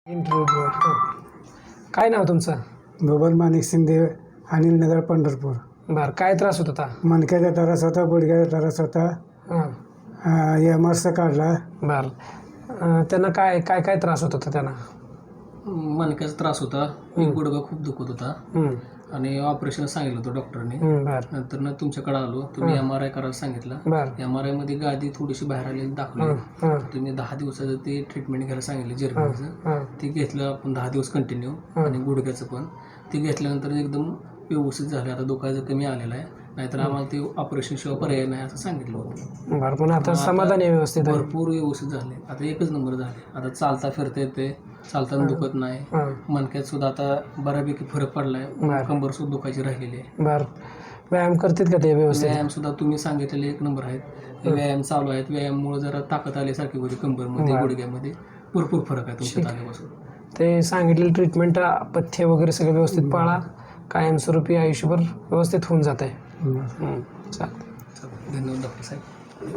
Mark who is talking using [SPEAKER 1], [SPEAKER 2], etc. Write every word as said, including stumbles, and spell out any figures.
[SPEAKER 1] Interview काय नाव तुमचं?
[SPEAKER 2] बबन माणिक शिंदे, अनिल नगर, पंढरपूर.
[SPEAKER 1] बरं, काय त्रास होत होता?
[SPEAKER 2] मणक्याचा त्रास होता, गुडघ्याचा त्रास होता.
[SPEAKER 1] हां
[SPEAKER 2] एम आर सी काढला.
[SPEAKER 1] बरं, अं, त्यांना काय काय काय त्रास होत होता त्यांना?
[SPEAKER 3] मणक्याचा त्रास होता, एक गुडघा खूप दुखत होता
[SPEAKER 1] हं,
[SPEAKER 3] आणि ऑपरेशन सांगितलं होतं डॉक्टरने.
[SPEAKER 1] हं, बरं
[SPEAKER 3] नंतर ना तुमच्याकडे आलो, तुम्ही एम आर आय करायला सांगितलं.
[SPEAKER 1] बरं
[SPEAKER 3] एम आर आयमध्ये गादी थोडीशी बाहेर आलेली दाखवली.
[SPEAKER 1] हं, हं,
[SPEAKER 3] तुम्ही दहा दिवसाचं ते ट्रीटमेंट घ्यायला सांगितलं
[SPEAKER 1] हं,
[SPEAKER 3] जर्मनीचं.
[SPEAKER 1] हं,
[SPEAKER 3] ते घेतलं आपण दहा दिवस कंटिन्यू आणि गुडघ्याचं पण ते घेतल्यानंतर एकदम व्यवस्थित झालं. आता दुखायचं कमी आलेलं आहे, नाहीतर आम्हाला ते ऑपरेशन शिवाय पर्याय नाही असं सांगितलं होतं.
[SPEAKER 1] बरं. पण आता समाधान आहे व्यवस्थित आहे?
[SPEAKER 3] भरपूर व्यवस्थित झाले, आता एकच नंबर झाले. आता चालता फिरता येते, चालताना दुखत नाही.
[SPEAKER 1] हं,
[SPEAKER 3] मणक्यात सुद्धा आता बऱ्यापैकी फरक पडलाय. कंबर सुद्धा दुखायची राहिलेली आहे.
[SPEAKER 1] बरं. व्यायाम करतात का ते व्यवस्थित?
[SPEAKER 3] व्यायाम सुद्धा तुम्ही सांगितलेले एक नंबर आहेत. व्यायाम चालू आहेत. व्यायाममुळे जरा ताकद आल्यासारखी होती कंबरमध्ये, गुडघ्यामध्ये भरपूर फरक आहे तुमच्यात आल्यापासून.
[SPEAKER 1] ते सांगितलेलं ट्रीटमेंट, पथ्य वगैरे सगळं व्यवस्थित पाळा, कायमस्वरूपी आयुष्यभर व्यवस्थित होऊन जात आहे. चालेल.
[SPEAKER 3] धन्यवाद डॉक्टर साहेब.